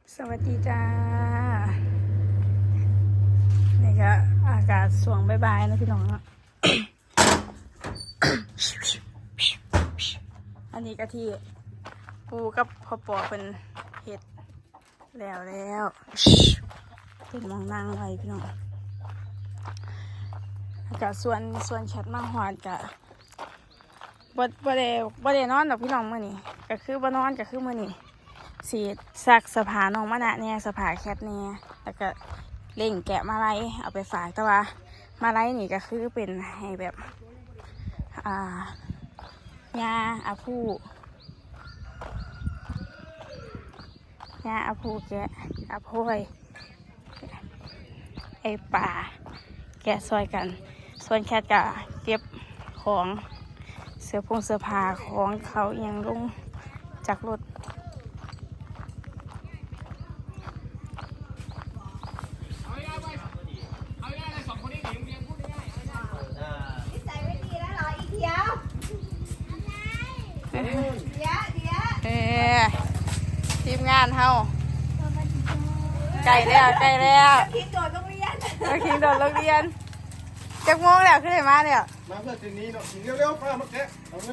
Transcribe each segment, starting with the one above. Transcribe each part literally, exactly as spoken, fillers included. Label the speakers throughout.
Speaker 1: สวัสดีจ้านี่ก็อากาศสวงบายๆนะพี่น้อง อันนี้ก็ที่ปูกับพ่อปอเป็นเห็ดแล้วแล้วเป็นมองนั่งไว้พี่น้องอากาศส่วนส่วนชัดมากหอดกะบ่บ่ได้บ่ได้นอนดอกพี่น้องมื้อนี้ก็คือบ่นอนก็คือมื้อนี้สีซักสภาน้องมะนะเนี่ยสภาแคทเนี่ยแล้วก็เล่งแกะมาไล่เอาไปฝากแต่ว่ามาไล่นี่ก็คือเป็นให้แบบอ่ายาอาพูยาอาพูแกะอาโพยไอป่าแกะซอยกันส่วนแคทก็เก็บของเสื้อผงเสื้อผ้าของเขาเอียงลงจากรถเออทีมงานเฮาไก่แล้วไก่แล้วคิงโดดโรงเรียนคิงโดดโรงเรียนจักโมงแล้วขึ้นมาเนี่ย
Speaker 2: มาเพื่อสิ่งนี้เนาะสิ่งเร็วๆป้ามาแกะเอาเงิน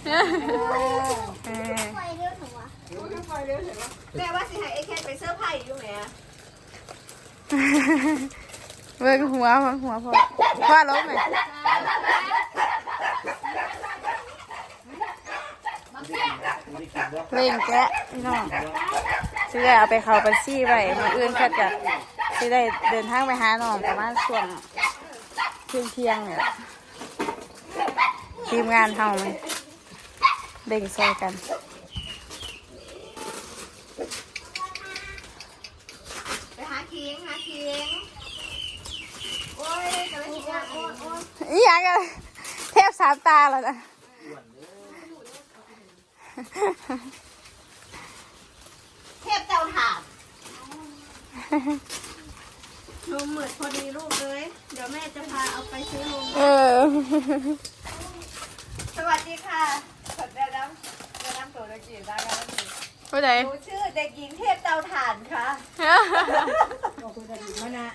Speaker 3: ไฟเร็วถึงวะไฟเร็วถึงวะแม่ว่าสิให้ไอ้แค่ไปเสื้อผ้าอยู่ไหมอะ
Speaker 1: เบิ่งหัวหัวพอว่าล้มไหมเล่งแกะพี่น้องซื้อได้เอาไปเขาบัญชีไว้มาอื่นแค่จะซื้อได้เดินทางไปหาน้องประมาณช่วงเที่ยงเที่ยงเนี่ยทีมงานเฮามันเล่งซอยกัน
Speaker 3: ไปหาคิงหาคิงโอ้ยกระไรโอ้ยโอ้ยโอ้ย
Speaker 1: อีหยังกันเทพสามตาแล้วนะ
Speaker 3: เทพเจ้าถามนมเหมือดพอดีลูกเลยเดี๋ยวแม่จะพาเอาไปซื้อนม
Speaker 1: เออ
Speaker 3: สวัสดีค่ะขอแนะนำแนะนำตัวเด็กหญิงได้ไหม
Speaker 1: ผู้ใด
Speaker 3: หนูชื่อเด็กหญิงเทพเจ้าถ่านค่ะบอกคุณจะดีมากนะ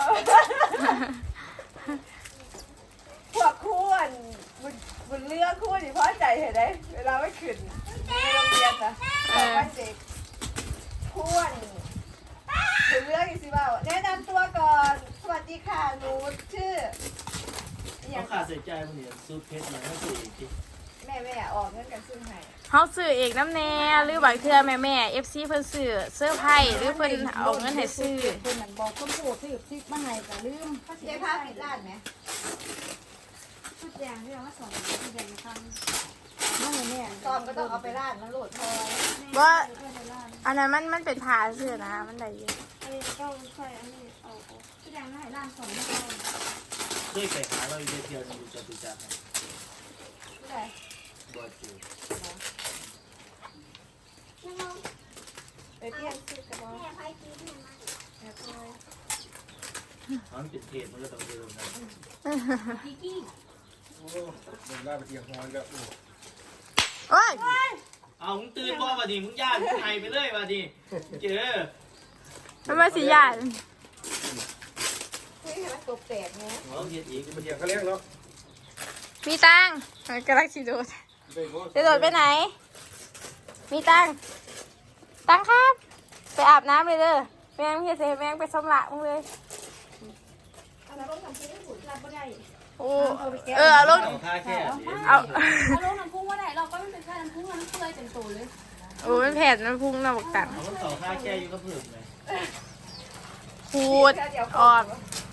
Speaker 3: พวกคู่นบุญบุญเลือกคู่นี่พ่อใจเห็นไหมเวลาไม่ขึ้นในโรงเรียนนะบอกว่าเด็กคู่นบุญเลือกอีกสิบ่าวแนะนำตัวก่อนสวัสดีค่ะหนูชื่อ
Speaker 2: เขาขาดเสียใจมันเนี่ยซูเพชรเนี่ยเขาซื้ออีกที
Speaker 3: แม่แม่ออกเงินกันซึ่งให้
Speaker 1: เขาซื้อเอกน้ำแน่หรือบางเทื่อแม่แม่เอฟซีเพิ่นซื้อเสื้อไผ่หรือเพิ่นเอาเงินให้ซื้อ
Speaker 4: เพิ่นนั่นบอกคนโผล่ซื้อซิกมาให้ก็ลืม
Speaker 3: เขาเจ๊ผ้าปิดร้านไหม
Speaker 4: ชุดแดงที่เรามาสอนชุดแดงทำมาให้แม่
Speaker 3: ตอนก็ต้องเอาไปร้านมันโหลดพอ
Speaker 1: ว่าอันนั้นมันมันเป็นผ้าเสื้อนะมันได้ยิน
Speaker 4: ไอ้ก็ใส่อันนี้เอาชุดแดงมาให้ร้านสอนไม่เอา
Speaker 2: ด้วยไปหาเราอีกเดียวนึงจะติดจับ
Speaker 3: ไม่ได้
Speaker 2: บอดจู
Speaker 3: ไปเปลี่ยนชุดกันบ้าง
Speaker 2: มันเป็นเทปมันก็ต้องเดิมนะโอ้เดินล่าไปเที่ยวฮอนก็
Speaker 1: โอ้ย
Speaker 2: เอามึงตื่นบ่มาดิมึงย่ามึงไห้ไปเลยมาดิเจอ
Speaker 1: มันมาสียาน
Speaker 3: เฮ้ยมันตกแตกนะ
Speaker 2: เอาเทียนอีก
Speaker 5: มาเที่ยวเขาเลี้ยงเนาะ
Speaker 1: มีตังกำลังสีโดดจะโดดไปไหนมีตังตังครับไปอาบน้ำเลยเด้อแมงเฮียเสแมงไปสมละมึงเลยโอ้เออเอาลงเอา
Speaker 4: เอาลงน้ำพุงว่าไหนเราก็ไม่เป็นแค่น้ำพุงน้ำเกลือเต็มตัวเลย
Speaker 1: โอ้ยแผดมันพุ่งหน้าบกตัง
Speaker 2: เอาต่อค่าแค่อยู่ก็เพิ่มเลย
Speaker 1: ขูดออก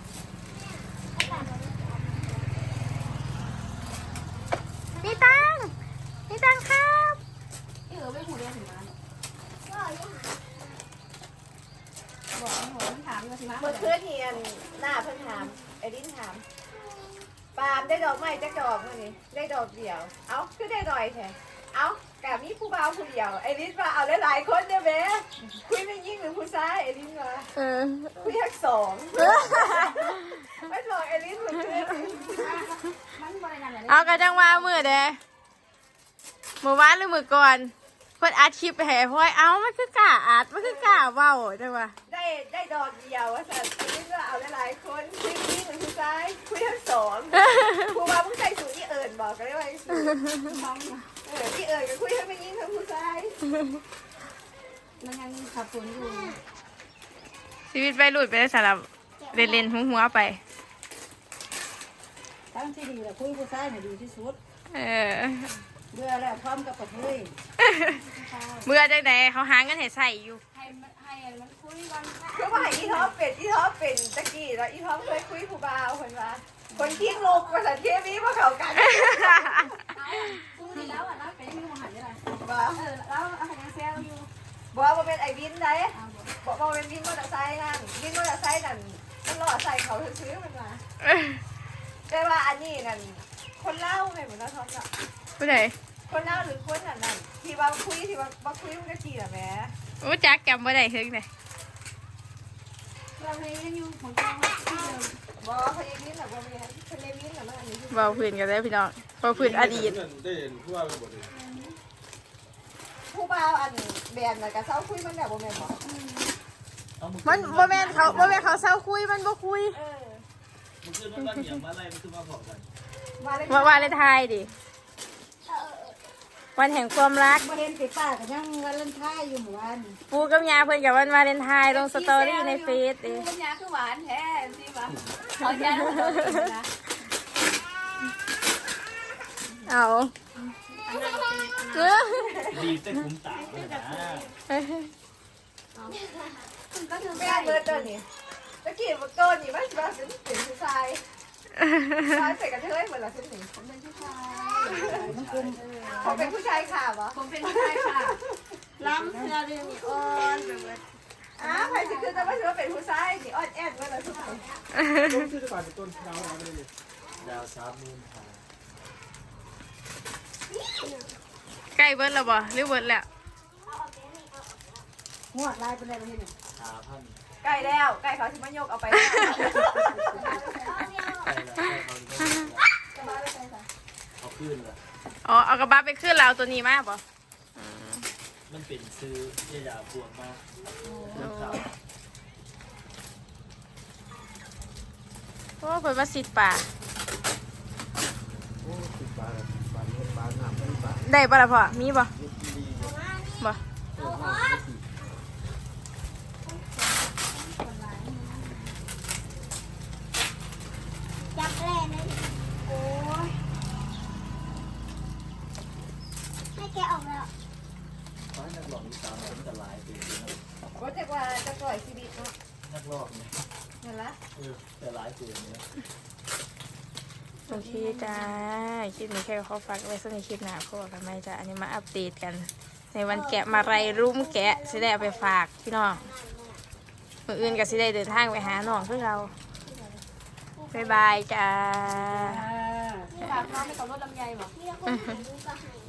Speaker 1: มีตังมีตังครับ
Speaker 4: เออไม่หูเรียนถึงมาบอกหนูมันถามอยู่สิมา
Speaker 3: เมื่อคืนเฮียนหน้าเพิ่นถามไอ้ดินถามปาล์มได้ดอกไม้จักดอกมั้ยนี่ได้ดอกเดียวเอ้าคือได้ดอยแท้เอ้ากะมีผู้บ่าวผู้เดียวไอ้ดินว่าเอาหลายๆคนเด้อแม่คุยไม่ยิ่งหรือผู้ชายไอ้ดินว่า
Speaker 1: เออ
Speaker 3: คุยทั้งสองไม่บอกไอ้ดินเมื่อคืน
Speaker 1: เอากระจังว่ามือเด้มือวานหรือมือก่อนเพิ่นอัดคลิปไปให้พลอยเอ้ามันคือกล้าอัดมันคือกล้าเว้าจังว่า
Speaker 3: ได้ได้ดอกเดียวว่าสัตว์นี่ก็เอาหลายๆคนคุยนี่หนึ่งคุยซ้ายคุยทั้งสองครูว่ามึงใส่สูตรที่เอิญบอกกันได้ไหมเออที่เอิญก็คุยทั้งไม่ยิ่งทั้งคุยซ้าย
Speaker 4: มันยังขับฝนอยู่
Speaker 1: ชีวิตวัยรุ่นไปได้สำหรับเล่นๆหัวๆไป
Speaker 4: ตั้งที่ดีแหละคุยผู้ชายน่ะดีที่สุด
Speaker 1: เออ
Speaker 4: เบื่อแล้วพร้อมกับกระเทย
Speaker 1: เมื่อจังไดเขาหาเงินให้ใส่อยู่
Speaker 4: ให้มันให้มันคุยกัน
Speaker 3: คือว่าอีท็อปเป็นอีท็อปเป็นตะกี้แล้วอีท็อปเคยคุยผู้บ่าวคนว่าคนทิ้งลูกภาษาเคมีมาเขากัน
Speaker 4: คุยแล้วอ่ะนะเป็นยังหันได้ไร
Speaker 3: บ่
Speaker 4: เออแล้วเอาคะแนนเซลอยู่
Speaker 3: บอกว่าเป็นไอ้วินได้บอกว่าเป็นวินมอเตอร์ไซค์นั่นวินมอเตอร์ไซค์นั่นมันรอใส่เขาซื้อมันมาแต่ว่าอันนี้นั่นคนเล่าไงเหมือนเราทอมอ่ะ
Speaker 1: ผู้ใด
Speaker 3: คนเล่าหรือคนนั่นนั่นที่ว่าคุยที่ว่าว่าคุยมันก็จีน่ะแม่
Speaker 1: รู้จักจำบ่ได้ถึงเลย
Speaker 4: เราเลยยังอยู่ของเราที่เดิม
Speaker 3: บอกเขาเองวินหรอว่าไม่คนเล่นวินหรอมันอันนี้
Speaker 1: เบาพื้นกันได้พี่น้องเบาพื้นอดีต
Speaker 5: ได้เห็นผู้ว่าไปหมดเลย
Speaker 3: ผู้บ่าวอันแบนน่ะกับเศร้าคุยมันแบบบ่แม่นบอก
Speaker 2: เอามึง
Speaker 1: มันบ่แม่นเขาบ่แม่นเขาเศร้าคุยมันบ่คุย
Speaker 3: เออ
Speaker 2: มึงขึ้นมันบ้านเหยียบมาไล่มึงขึ้นมาพอกัน
Speaker 3: มาเลย
Speaker 1: ว่าว่าเลยทายดิวันแห่งความรัก
Speaker 4: มาเห็นติดป้ากันยังวันเล่นท้ายอยู่หมู่บ้าน
Speaker 1: ปูกับยาเพิ่นกับวันวาเลนไทน์ลงสตอรี่ในเฟซเด้
Speaker 3: ปัญญาคือหวานแท้สิวะเอาใจลูกนะ
Speaker 1: เอาเออ
Speaker 2: ดีแต่คุ้มตาเลยนะ
Speaker 3: ก็คือแม่เบิร์ดตัวนี้ตะกี้มันก้อนนี่มันมาเป็นเป็นผู้ชายชายใส่กระเทยเหมือนละเส้นหนึ่งผมเป็นผู้ชายผมเป็นผู้ชายข่าวเหรอ
Speaker 4: ผมเป็นผู้ชายค่ะล้ำเสื้อเรื่องอ่อนไปหมด
Speaker 3: อ้าวใครจะคือจะมาถือว่าเป็นผู้ชายนี่อ่อนแอดเมื่อไรทุกคน
Speaker 5: ต้นชื่อก่อนเป็นต้นดาวดาวไปเลย
Speaker 2: ดาวสามหมื่นหา
Speaker 1: ใกล้เบิดแล้วบ่หรือเบิดแล้ว
Speaker 4: หัวลายเป็นอะไรมาเห็น
Speaker 2: หาพัน
Speaker 3: ใกล้แล้วใกล้เขาที่มันยกเอาไปแล้ว
Speaker 2: ใช่แล้วใช่เขาเอาขึ้นละ
Speaker 1: อ๋อเอากระบะไปขึ้นแล้วเอาตัวนี้มาบ่
Speaker 2: มันเป็นซื้อยาปวดมากข่าว
Speaker 1: โอ้เพิ่นมาสิดป่า
Speaker 5: โอ้ติดปลาเลยปลาเนื้อปลาหนามไม่ปลา
Speaker 1: ได้บ่ล่ะพ่อมีบ่
Speaker 5: เนื้อดี
Speaker 1: บ่
Speaker 5: เออหน้าไม่ดี
Speaker 4: จับแร่เลยโอ้ยให้แกออกแล้ว
Speaker 2: เพราะนักหลอกมีสามคนแต่หลายปีนะ
Speaker 3: ว่าจะว่าจะปล่อยชีวิตเนาะ
Speaker 2: นักหลอกเนี่ย
Speaker 3: นั่นละ
Speaker 2: เออแต่หลายปีเนี่ย
Speaker 1: โอเคจ้าคลิปนี้แค่ขอฝากไว้สักในคลิปหน้าพวกกันไหมจ้าอันนี้มาอัปเดตกัน ในวันแกะมาไรรุ่มแกะสิได้เอาไปฝากพี่น้องมื้ออื่นก็สิได้เดินทางไปหาน้องคือเราบ๊ายบายจ้า
Speaker 4: ฝากน้องไปกับรถลำไยบอก
Speaker 6: มีคนถ่ายรูปก็ให้